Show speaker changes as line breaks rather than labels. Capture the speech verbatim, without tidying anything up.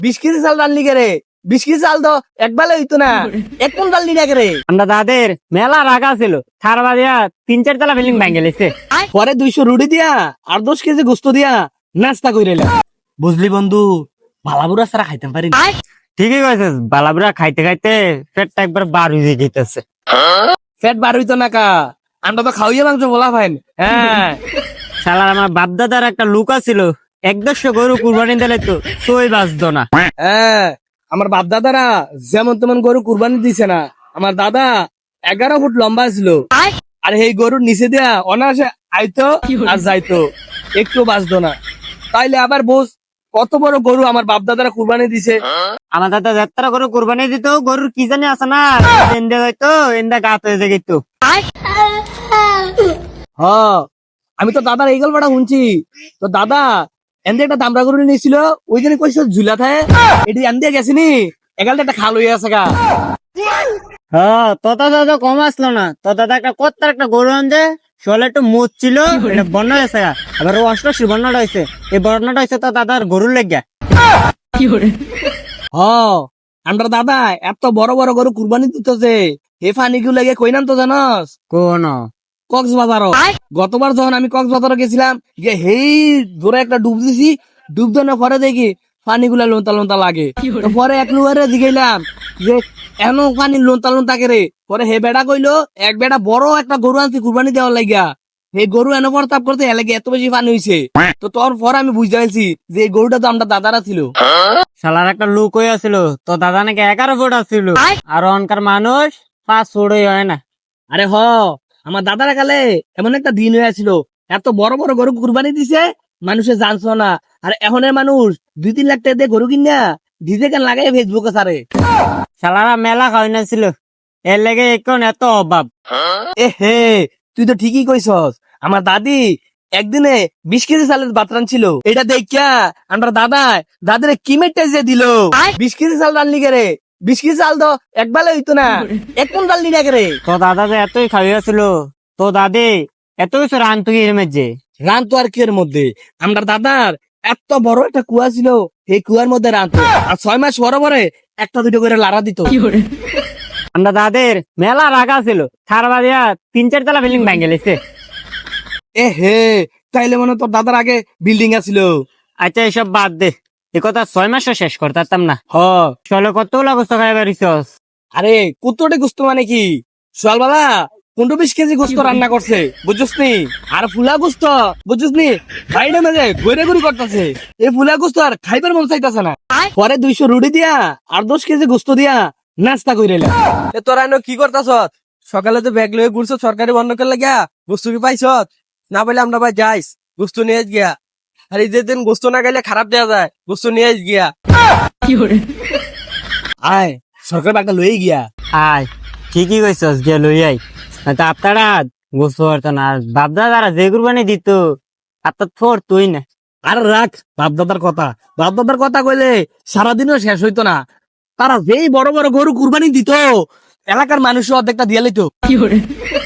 বিশ কেজি চাল রান্নি কে রে? বিশ কেজি চাল তো একবেলা হইতো না, এক কোন রান্নি না রে?
আমরা দাদের মেলা রাগা ছিল, থারবা দিয়া তিন চার তলা বিল্ডিং ভাঙে লেছে।
পরে দুইশো রুটি দিয়া আর দশ কেজি গোস্ত দিয়া নাস্তা কইরে এলাম। বুঝলি বন্ধু, ভালাবুরা ছাড়া খাইতে পারি না।
ঠিকই কইছিস, বালাবুরা খাইতে খাইতে পেটটা একবার বার হয়ে যেতেছে।
পেট বার হইতো না কা, আমরা তো খাওয়াইয়া মাংস বলা ফাইন। হ্যাঁ
শালার আমার বাপদাদার একটা লুক ছিল, এক দেড়শো গরু কুরবানি দিলে তো সই বাঁচতো না।
হ্যাঁ, আমার বাপ দাদারা যেমন তেমন গরু কুরবানি দিছে না। আমার দাদা এগারো ফুট লম্বা ছিল, আর এই গরুর নিচে দিয়া অনায়াসে আইতো আর যাইতো, একটু বাঁচতো না। তাইলে আবার বোঝ কত বড় গরু আমার বাপ দাদারা কুরবানি দিছে।
আমার দাদা যাত্রা গরু কুরবানি দিত, গরুর কি জানি আছে না, এন্দা যাইতো এন্দা গাত হয়ে যেত।
হ, আমি তো দাদার এই গল্পটা শুনছি। তো দাদা এনদে একটা দামরা গরু নিয়েছিল, ওই জন্য কইস ঝুলা থাকে এটি এনদে গেছিনি, এগালটা একটা খাল হয়ে আছে গা।
হ্যাঁ, তোর দাদা কম আসলো না, তোর দাদা একটা কত্তার একটা গরু আনছে, শোলে একটু মুচ ছিল, এটা বন্যা হয়েছে গা। আবার ও অষ্টআশি বন্যাটা হয়েছে, এই বন্যাটা হয়েছে তোর দাদার গরুর লেগে।
হ, আমরা দাদা এত বড় বড় গরু কুরবানি দিতেছে, হে ফানি গুলো লেগে কই নাম তো জানস?
কোন
কক্সবাজার। গতবার যখন আমি কক্সবাজার গেছিলাম, যে হেই ধরে একটা ডুব দিছি, ডুব দেওয়ার পরে দেখি পানি গুলা লোনতা লোনতা লাগে। তো পরে এক লুয়ারে জিগাইলাম যে এন পানি লোনতা লোনতা কে রে? পরে হে বেড়া কইলো এক বেড়া বড় একটা গরু আনছি কুরবানি দেওয়ার লাগিয়া, এই গরু এনে প্রতাপ করতে এলাকে এত বেশি পানি হয়েছে। তো তোর পর আমি বুঝতে পারছি যে এই গরুটা তো আমরা দাদারা ছিল।
শালার একটা লুক হয়ে আছিল, তোর দাদা নাকি এগারো ফুট আসছিল, আর অনকার মানুষ পাঁচ ফুটই হয় না।
আরে হ, আমার দাদারা কালে এমন একটা দিন হয়েছিল, এত বড় বড় গরু কুরবানি দিছে মানুষে জানছো না। আর এখনের মানুষ দুই তিন লাখ টাকা দিয়ে গরু কিনা ডিজে গান লাগাই ফেসবুকে সারে।
শালারা মেলা খাওয়াই না ছিল, এর লেগে এখন এত অভাব।
এ হে, তুই তো ঠিকই কইছস। আমার দাদি একদিনে বিশ কেজি চালের বাতরান ছিল, এটা দেখিয়া আমরা দাদা দাদিরে কিমেটে যে দিল। বিশ কেজি চাল রান্নি কে রে? বিশ কেজি চাল তো একবেলা হইতো না, এক কোন রান্নি না কে রে?
তো দাদা যে এতই খাওয়াইছিল, তো দাদি এত কিছু রান তুই এর মধ্যে
রান তো আর কি এর মধ্যে, আমরা দাদার এত বড় একটা কুয়া ছিল, এই কুয়ার মধ্যে রানতো, আর ছয় মাস পরে পরে একটা দুটো করে লারা দিত।
আমরা দাদের মেলা রাগা ছিল, থারবা দিয়া তিন চার তলা বিল্ডিং ভাঙে লেছে।
এ হে, তাইলে মনে হয় তোর দাদার আগে বিল্ডিং আছিল।
আচ্ছা এসব বাদ দে, এ কথা ছয় মাসও শেষ করতাম না।
হ,
চলো কতগুলা গোস্ত খাই পারিছস?
আরে কুত্তটে গুস্ত মানে কি, সোয়ালবালা পনেরো বিশ কেজি গোস্ত রান্না করছে বুঝছস নি, আর ফুলা গোস্ত বুঝছস নি বাইরে মেজে গড়ে গুড়ি করতেছে। এই ফুলা গোস্ত আর খাইবার মন চাইতেছে না। পরে দুইশো রুটি দিয়া আর দশ কেজি গোস্ত দিয়া নাস্তা কইরে এলাম।
এ তোরা এনো কি করতাছ? সকালে তো ব্যাগ লয়ে ঘুরছ সরকারি বন্ধ করে লাগিয়া, গোস্তু কি পাইছ? না পাইলে আমরা ভাই যাইস গোস্তু নিয়ে গিয়া। আর ঈদের দিন গোস্তু না গেলে খারাপ দেওয়া যায়, গোস্তু নিয়ে গিয়া।
আয় সরকার একটা লয়ে গিয়া।
আয় ঠিকই কইছস, গিয়ে লই আই। তা আপনারা গোস্ত পারত না, আর বাপদাদারা যে কুরবানি দিত আপনার থোর তুই না।
আর রাখ বাপ দাদার কথা, বাপ দাদার কথা কইলে সারাদিনও শেষ হইতো না। তারা যেই বড় বড় গরু কুরবানি দিত, এলাকার মানুষ অর্ধেকটা দিয়ে লইতো।